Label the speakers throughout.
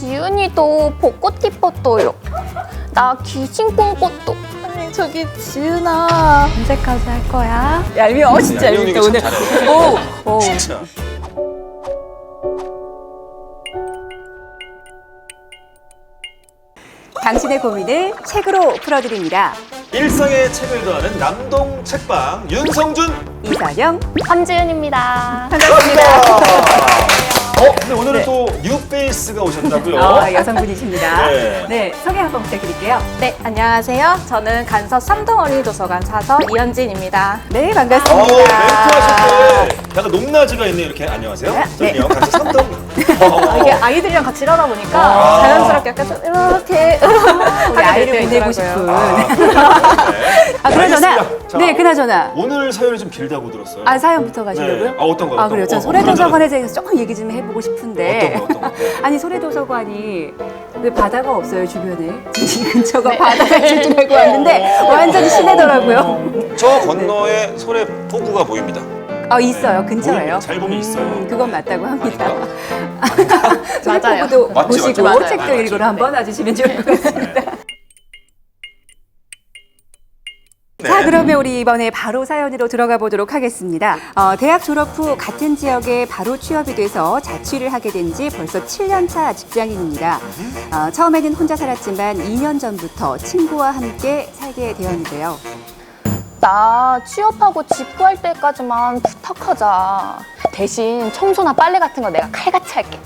Speaker 1: 지은이도 벚꽃 입었어요. 나 귀신 꿈꿨어.
Speaker 2: 아니 저기 지은아 언제까지 할 거야?
Speaker 3: 얄미워. 진짜 얄밉다 오늘. 오.
Speaker 4: 진짜.
Speaker 3: 당신의 고민을 책으로 풀어드립니다.
Speaker 4: 일상의 책을 더하는 남동 책방 윤성준.
Speaker 3: 이선영.
Speaker 1: 함지은입니다.
Speaker 4: 근데 오늘은 또 뉴페이스가 오셨다고요?
Speaker 3: 여성분이십니다.
Speaker 4: 네.
Speaker 3: 네, 소개 한번 부탁드릴게요.
Speaker 2: 네 안녕하세요. 저는 간서 삼동어린이도서관 사서 이현진입니다.
Speaker 3: 네,
Speaker 4: 멘트
Speaker 3: 반갑습니다.
Speaker 4: 하실 때 약간 높낮이가 있네 이렇게. 안녕하세요.
Speaker 3: 네.
Speaker 4: 저는요 같이 삼동.
Speaker 2: 이게 아이들이랑 같이 일하다 보니까 자연스럽게 약간 좀 이렇게
Speaker 3: 우리 아이를
Speaker 2: 하게
Speaker 3: 보내고
Speaker 2: 되더라고요.
Speaker 3: 싶은. 그나저나.
Speaker 4: 알겠습니다. 자,
Speaker 3: 네, 그나저나.
Speaker 4: 오늘 사연이 좀 길다고 들었어요.
Speaker 3: 사연부터 가시려고요?
Speaker 4: 네. 어떤 거요?
Speaker 3: 그래요. 전 소래도서관에 대해서 조금 얘기 좀 해보고 싶은데.
Speaker 4: 어떤 거?
Speaker 3: 아니, 소래도서관이 왜 바다가 없어요, 주변에? 이 근처가 바다가 있을 줄 알고 왔는데 완전히 시내더라고요.
Speaker 4: 저 건너에 소래 폭우가 보입니다.
Speaker 3: 있어요. 근처예요.
Speaker 4: 보입니다. 잘 보면 있어요.
Speaker 3: 그건 맞다고 합니다.
Speaker 1: 맞아요.
Speaker 3: 소래포구도
Speaker 4: 맞지,
Speaker 3: 보시고
Speaker 4: 맞지, 맞지.
Speaker 3: 책도
Speaker 4: 맞지.
Speaker 3: 읽으러 한번 와주시면 좋을 것 같습니다.
Speaker 4: 네.
Speaker 3: 자, 그러면 우리 이번에 바로 사연으로 들어가 보도록 하겠습니다. 대학 졸업 후 같은 지역에 바로 취업이 돼서 자취를 하게 된 지 벌써 7년 차 직장인입니다. 처음에는 혼자 살았지만 2년 전부터 친구와 함께 살게 되었는데요.
Speaker 1: 나 취업하고 집 구할 때까지만 부탁하자. 대신 청소나 빨래 같은 거 내가 칼같이 할게.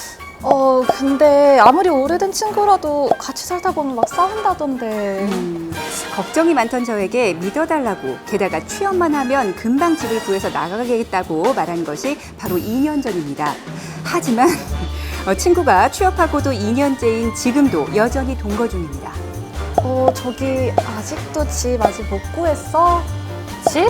Speaker 2: 근데 아무리 오래된 친구라도 같이 살다 보면 막 싸운다던데.
Speaker 3: 걱정이 많던 저에게 믿어달라고, 게다가 취업만 하면 금방 집을 구해서 나가겠다고 말한 것이 바로 2년 전입니다. 하지만 친구가 취업하고도 2년째인 지금도 여전히 동거 중입니다.
Speaker 2: 저기 아직도 집 아직 못 구했어?
Speaker 1: 집?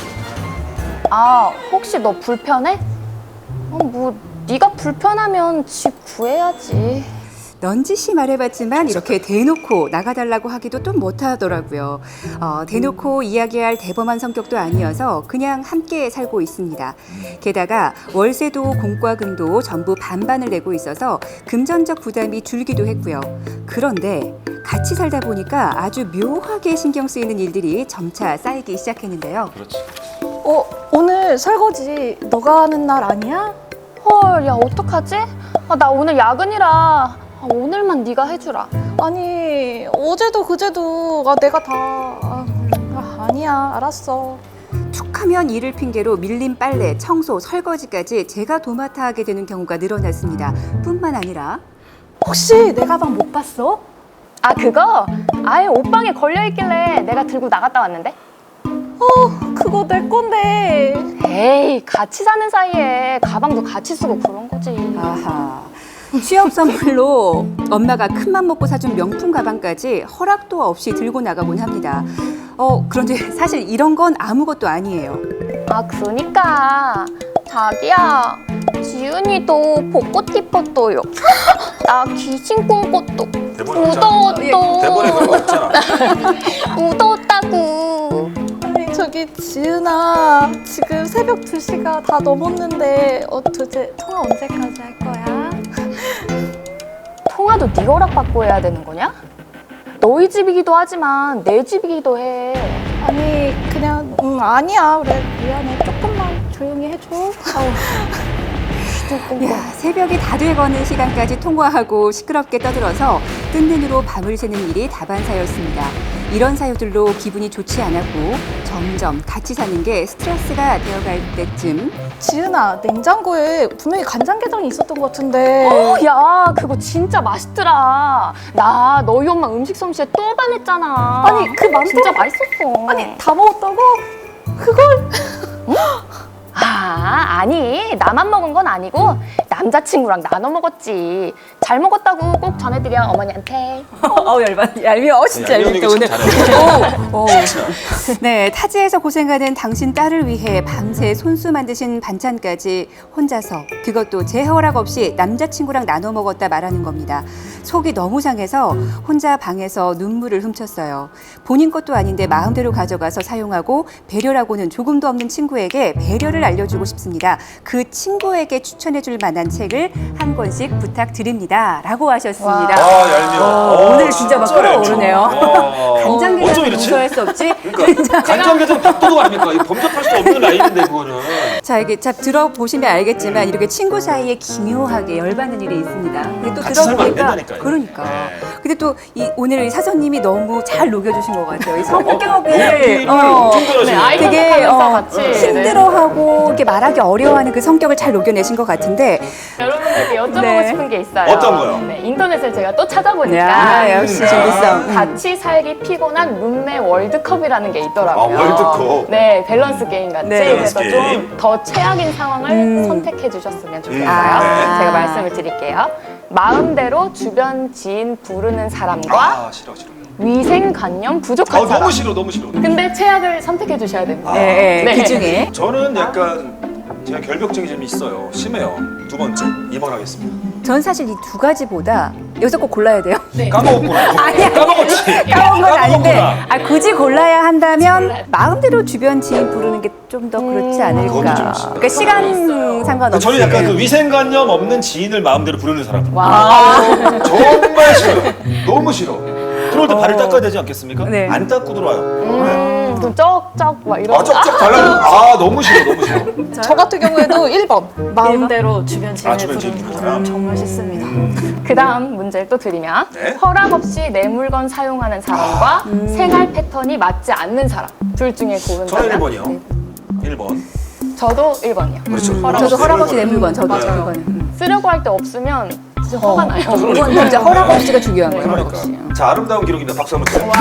Speaker 1: 혹시 너 불편해? 뭐 네가 불편하면 집 구해야지.
Speaker 3: 넌지시 말해봤지만 이렇게 대놓고 나가달라고 하기도 좀 못하더라고요. 대놓고 이야기할 대범한 성격도 아니어서 그냥 함께 살고 있습니다. 게다가 월세도 공과금도 전부 반반을 내고 있어서 금전적 부담이 줄기도 했고요. 그런데 같이 살다 보니까 아주 묘하게 신경 쓰이는 일들이 점차 쌓이기 시작했는데요.
Speaker 4: 그렇지.
Speaker 2: 오늘 설거지 너가 하는 날 아니야?
Speaker 1: 헐, 야 어떡하지? 나 오늘 야근이라 오늘만 네가 해주라.
Speaker 2: 아니 어제도 그제도 내가 다 아니야 알았어.
Speaker 3: 툭하면 일을 핑계로 밀린 빨래, 청소, 설거지까지 제가 도맡아 하게 되는 경우가 늘어났습니다. 뿐만 아니라
Speaker 2: 혹시 내 가방 못 봤어?
Speaker 1: 그거? 아예 옷방에 걸려있길래 내가 들고 나갔다 왔는데?
Speaker 2: 그거 내 건데.
Speaker 1: 에이, 같이 사는 사이에 가방도 같이 쓰고 그런 거지.
Speaker 3: 아하. 취업 선물로 엄마가 큰맘 먹고 사준 명품 가방까지 허락도 없이 들고 나가곤 합니다. 그런데 사실 이런 건 아무것도 아니에요.
Speaker 1: 그러니까 자기야, 지은이도 벚꽃 입었어요. 나 귀신 꿈꿨어.
Speaker 4: 대본에 없잖아. 대본에 그런 거 없잖아.
Speaker 1: 묻었다고.
Speaker 2: 아니 저기 지은아 지금 새벽 2시가 다 넘었는데 도대체 통화 언제까지 할 거야?
Speaker 1: 통화도 네 허락 받고 해야 되는 거냐? 너희 집이기도 하지만 내 집이기도 해.
Speaker 2: 아니 그냥 아니야 그래 미안해 조금만 조용히 해줘.
Speaker 3: 야, 새벽이 다 돼가는 시간까지 통화하고 시끄럽게 떠들어서 뜬 눈으로 밤을 새는 일이 다반사였습니다. 이런 사유들로 기분이 좋지 않았고 점점 같이 사는 게 스트레스가 되어갈 때쯤
Speaker 2: 지은아 냉장고에 분명히 간장게장이 있었던 것 같은데.
Speaker 1: 야, 그거 진짜 맛있더라. 나 너희 엄마 음식 솜씨에 또 반했잖아.
Speaker 2: 아니, 그 많다고-
Speaker 1: 진짜 맛있었어.
Speaker 2: 아니 다 먹었다고? 그걸
Speaker 1: 아니 나만 먹은 건 아니고 남자친구랑 나눠 먹었지. 잘 먹었다고 꼭 전해드려 어머니한테.
Speaker 3: 얄미워. 진짜
Speaker 4: 얄미운
Speaker 3: 얄밉다
Speaker 4: 얘기
Speaker 3: 오늘.
Speaker 4: 참 잘해.
Speaker 3: 오. 네, 타지에서 고생하는 당신 딸을 위해 밤새 손수 만드신 반찬까지 혼자서, 그것도 제 허락 없이 남자친구랑 나눠 먹었다 말하는 겁니다. 속이 너무 상해서 혼자 방에서 눈물을 훔쳤어요. 본인 것도 아닌데 마음대로 가져가서 사용하고 배려라고는 조금도 없는 친구에게 배려를 알려주고 싶습니다. 그 친구에게 추천해줄 만한 책을 한 권씩 부탁드립니다. 라고 하셨습니다.
Speaker 4: 얄미워.
Speaker 3: 오늘 진짜 막 끌어오르네요. 간장게장은 용서할 수 없지?
Speaker 4: 그러니까 간장게장 밥도둑 아닙니까? 이거 범접할 수 없는 라인인데 그거는.
Speaker 3: 자, 이게 참 들어보시면 알겠지만 이렇게 친구 사이에 기묘하게 열받는 일이 있습니다. 근데 또
Speaker 4: 같이 살면 안
Speaker 3: 들어보니까
Speaker 4: 된다니까요.
Speaker 3: 그러니까.
Speaker 4: 네.
Speaker 3: 근데 또 오늘 이 사서님이 너무 잘 녹여주신 것 같아요. 이 성격을
Speaker 4: 네, 엄청
Speaker 1: 네, 아이
Speaker 4: 잘하시네요.
Speaker 3: 되게
Speaker 1: 선택하면서 같이
Speaker 3: 힘들어하고 이렇게 말하기 어려워하는 그 성격을 잘 녹여내신 것 같은데
Speaker 1: 여러분들께 여쭤보고
Speaker 3: 네.
Speaker 1: 싶은 게 있어요.
Speaker 4: 어떤 거요?
Speaker 1: 네, 인터넷을 제가 또 찾아보니까
Speaker 3: 야, 역시 준비성.
Speaker 1: 같이 살기 피곤한 룸메 월드컵이라는 게 있더라고요.
Speaker 4: 아, 월드컵.
Speaker 1: 네, 밸런스 게임 같이.
Speaker 3: 네.
Speaker 1: 그래서
Speaker 4: 밸런스
Speaker 1: 좀
Speaker 4: 게임.
Speaker 1: 더 최악인 상황을 선택해 주셨으면 좋겠어요.
Speaker 3: 아.
Speaker 1: 제가 말씀을 드릴게요. 마음대로 주변 지인 부르는 사람과
Speaker 4: 싫어.
Speaker 1: 위생관념 부족한 사람.
Speaker 4: 너무 싫어, 너무 싫어.
Speaker 1: 근데 최악을 선택해 주셔야 됩니다.
Speaker 3: 네,
Speaker 1: 네.
Speaker 3: 그 중에
Speaker 4: 저는 약간 제가 결벽증이 좀 있어요. 심해요. 두 번째, 2번 하겠습니다.
Speaker 3: 전 사실 이 두 가지보다 여기서 꼭 골라야 돼요.
Speaker 4: 까먹었구나.
Speaker 3: 아니야.
Speaker 4: 까먹었지.
Speaker 3: 까먹은 건 아닌데
Speaker 4: 까먹었구나.
Speaker 3: 굳이 골라야 한다면 마음대로 주변 지인 부르는 게 좀 더 그렇지 않을까.
Speaker 4: 그것도 좀
Speaker 3: 그러니까 시간 상관없이.
Speaker 4: 저는 약간 그 위생관념 없는 지인을 마음대로 부르는 사람.
Speaker 1: 와.
Speaker 4: 정말 싫어요. 너무 싫어. 들어올 때 발을 닦아야 되지 않겠습니까?
Speaker 3: 네.
Speaker 4: 안 닦고 들어와요.
Speaker 1: 좀 쩍쩍 막 이런.
Speaker 4: 아, 쩍쩍 달라고. 너무 싫어, 너무 싫어.
Speaker 2: 저 같은 경우에도 1번. 마음대로 주변 지인을
Speaker 4: 주변 지인
Speaker 2: 부르는
Speaker 4: 부르는
Speaker 2: 사람 정말 싫습니다.
Speaker 1: 그 다음 문제를 또 드리면
Speaker 4: 네.
Speaker 1: 허락 없이 내 물건 사용하는 사람과 생활 패턴이 맞지 않는 사람 둘 중에
Speaker 4: 저는
Speaker 1: 고른다면
Speaker 4: 1번이요. 1번.
Speaker 1: 저도 1번이요.
Speaker 4: 그렇죠.
Speaker 3: 저도 허락 없이 내 물건, 저도
Speaker 4: 맞아요.
Speaker 3: 그거는.
Speaker 1: 쓰려고 할 때 없으면 진짜 화가 나요.
Speaker 3: 이건 진짜 허락 없이가 중요한 거예요. 허락
Speaker 4: 그러니까.
Speaker 3: 없이.
Speaker 4: 자, 아름다운 기록입니다. 박수 한번 주세요.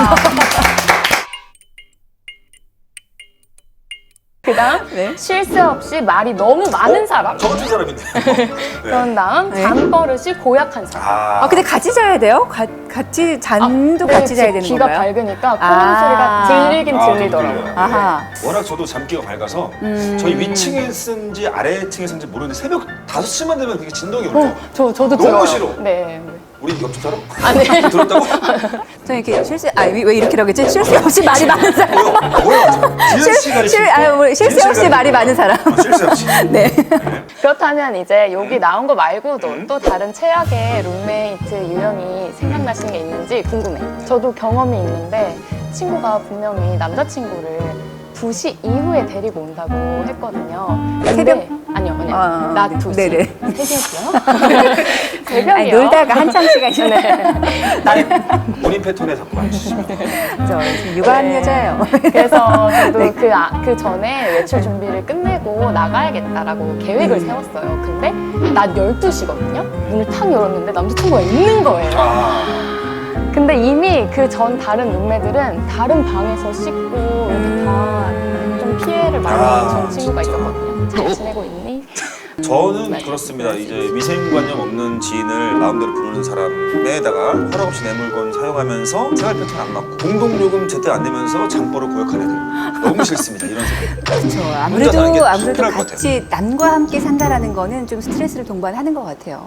Speaker 1: 그 다음
Speaker 3: 네.
Speaker 1: 쉴 새 없이 말이 너무 많은 사람.
Speaker 4: 저 같은 사람인데.
Speaker 1: 그런 다음
Speaker 3: 네.
Speaker 1: 잠버릇이 고약한 사람.
Speaker 3: 아, 근데 같이 자야 돼요? 같이 잔도
Speaker 1: 근데
Speaker 3: 같이 자야 되는
Speaker 1: 귀가
Speaker 3: 건가요?
Speaker 1: 밝으니까 콧
Speaker 3: 아.
Speaker 1: 소리가 들리긴
Speaker 4: 아,
Speaker 1: 들리더라고요.
Speaker 4: 들려요.
Speaker 3: 아하.
Speaker 4: 워낙 저도 잠기가 밝아서 저희 위층에 쓴지 아래층에 쓴지 모르는데 새벽 5시만 되면 그게 진동이 울려.
Speaker 1: 저도
Speaker 4: 너무
Speaker 1: 들어요.
Speaker 4: 싫어.
Speaker 1: 네.
Speaker 4: 우리 옆집 사람?
Speaker 1: 아니.
Speaker 4: 들었다고?
Speaker 3: 저는 이렇게 왜 이렇게 하겠지? 쉴 새 없이 말이 많은 사람.
Speaker 4: 뭐야? 지은 씨가
Speaker 3: 쉴 새 없이 말이 많은 사람.
Speaker 4: 쉴 새 없이.
Speaker 3: 네.
Speaker 1: 그렇다면 이제 여기 나온 거 말고도 또 다른 최악의 룸메이트 유형이 생각나시는 게 있는지 궁금해. 저도 경험이 있는데 친구가 분명히 남자친구를 2시 이후에 데리고 온다고 했거든요. 근데
Speaker 3: 새벽?
Speaker 1: 아니요.
Speaker 3: 아,
Speaker 1: 낮
Speaker 3: 네.
Speaker 1: 2시.
Speaker 3: 네네.
Speaker 1: 새벽이요? 새벽이요?
Speaker 3: 아니, 놀다가 한참 시간이
Speaker 1: 네.
Speaker 4: 본인 패턴에 자꾸 맞추시면.
Speaker 3: 저 지금 육아하는
Speaker 1: 네.
Speaker 3: 여자예요.
Speaker 1: 그래서 저도 그 전에 외출 준비를 끝내고 나가야겠다라고 계획을 세웠어요. 근데 낮 12시거든요? 문을 탁 열었는데 남자친구가 있는 거예요. 근데 이미 그 전 다른 룸메들은 다른 방에서 씻고 이렇게 다 좀 피해를 많이 준 친구가 있었거든요. 잘 지내고 있니?
Speaker 4: 저는 그렇습니다. 이제 위생관념 없는 지인을 마음대로 부르는 사람에다가 허락 없이 내 물건 사용하면서 생활 패턴 안 맞고 공동요금 제때 안 내면서 잠버릇 고약한 애들 너무 싫습니다. 이런 사람.
Speaker 3: 그렇죠.
Speaker 4: 혼자 사는 게
Speaker 3: 아무래도
Speaker 4: 불편할 것
Speaker 3: 같이 남과 함께 산다라는 거는 좀 스트레스를 동반하는 것 같아요.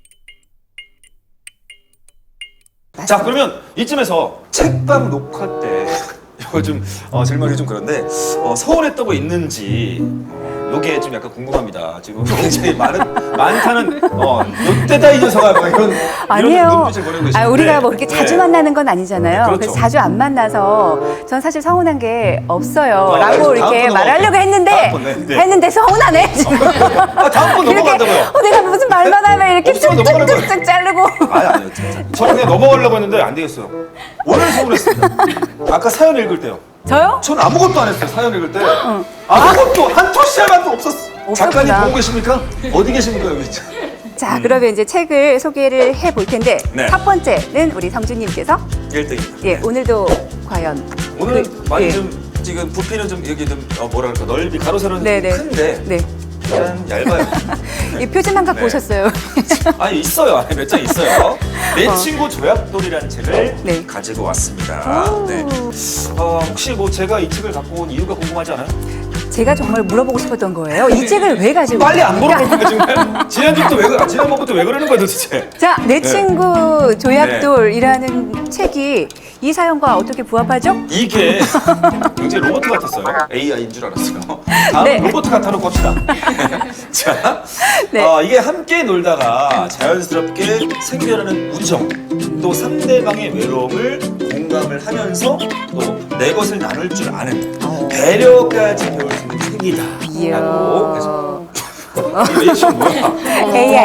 Speaker 4: 자, 그러면 이쯤에서 책방 녹화 때 이거 좀 질문이 좀 그런데 서운했던 거 있는지 요게 좀 약간 궁금합니다. 지금 굉장히 많다는 요때다 이 녀석아 막 이런
Speaker 3: 아니에요.
Speaker 4: 눈빛을 보내고 계시는데
Speaker 3: 우리가 뭐 그렇게 자주
Speaker 4: 네.
Speaker 3: 만나는 건 아니잖아요.
Speaker 4: 그렇죠.
Speaker 3: 그래서 자주 안 만나서 전 사실 서운한 게 없어요. 라고
Speaker 4: 알겠습니다.
Speaker 3: 이렇게
Speaker 4: 다음
Speaker 3: 말하려고 했는데
Speaker 4: 다음 번, 네.
Speaker 3: 했는데 서운하네 지금.
Speaker 4: 다음 번 넘어간다고요.
Speaker 3: 내가 무슨 말만 하면 이렇게
Speaker 4: 없으면 넘어가는 거예요.
Speaker 3: 쭉쭉쭉쭉 자르고.
Speaker 4: 아니 진짜. 저는 그냥 넘어가려고 했는데 안 되겠어요. 오늘 서운했습니다. 아까 사연 읽을 때요.
Speaker 3: 저요?
Speaker 4: 전 아무것도 안 했어요. 사연 읽을 때 아무것도 한 토시야만도 없었어. 작가님 보고 계십니까? 어디 계십니까 여기 진짜.
Speaker 3: 자, 그러면 이제 책을 소개를 해볼 텐데
Speaker 4: 네.
Speaker 3: 첫 번째는 우리 성주님께서
Speaker 4: 1등입니다.
Speaker 3: 예, 오늘도 과연
Speaker 4: 오늘 많이
Speaker 3: 예.
Speaker 4: 좀 지금 부피는 좀 여기 좀 뭐랄까 넓이 가로 세로는
Speaker 3: 네네.
Speaker 4: 큰데
Speaker 3: 네.
Speaker 4: 약간 얇아요.
Speaker 3: 이 표지만 갖고
Speaker 4: 네.
Speaker 3: 오셨어요.
Speaker 4: 아니 있어요. 안에 몇 장 있어요. 내 친구 조약돌이라는 책을
Speaker 3: 네.
Speaker 4: 가지고 왔습니다. 네. 혹시 뭐 제가 이 책을 갖고 온 이유가 궁금하지 않아요?
Speaker 3: 제가 정말 물어보고 싶었던 거예요. 이 책을 왜 가지고
Speaker 4: 빨리 안
Speaker 3: 있습니까?
Speaker 4: 물어볼 거니까 지금 지난번부터 왜 그러는 거야 도대체?
Speaker 3: 자, 내
Speaker 4: 네.
Speaker 3: 친구 조약돌이라는 책이 이 사연과 어떻게 부합하죠?
Speaker 4: 이게 굉장히 로봇 같았어요. AI인 줄 알았어요. 다음
Speaker 3: 네.
Speaker 4: 로봇 같아놓고 합시다. 자,
Speaker 3: 네.
Speaker 4: 이게 함께 놀다가 자연스럽게 생겨나는 우정, 또 상대방의 외로움을 공감을 하면서 또 내 것을 나눌 줄 아는 배려까지 배울 수 있는 책이다.
Speaker 3: 이야.
Speaker 4: 라고 해서 이 리액션 뭐야?
Speaker 3: AI.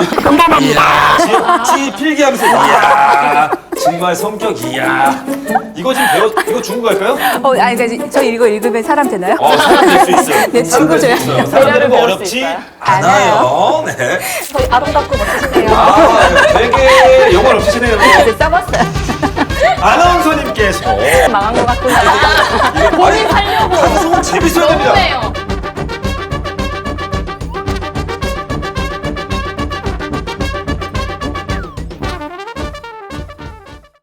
Speaker 4: 지 필기하면서 이야 정말 성격 이야 이거 지금 이거 중국 갈까요?
Speaker 3: 아니, 그러니까 저 이거 읽으면 사람 되나요?
Speaker 4: 사람 될 수 있어요.
Speaker 3: 내 친구
Speaker 4: 사람
Speaker 3: 줘요.
Speaker 4: 사람 되는 거
Speaker 1: 배울 수
Speaker 4: 어렵지
Speaker 1: 있어요.
Speaker 4: 않아요. 네.
Speaker 1: 저희 아름답고 멋지시네요.
Speaker 4: 되게 영혼 없으시네요.
Speaker 3: 이제 써봤어요.
Speaker 4: 아나운서님께서
Speaker 1: 망한 것 같구나. 본인 살려고.
Speaker 4: 방송은 재밌어야 됩니다.
Speaker 1: 너무해요.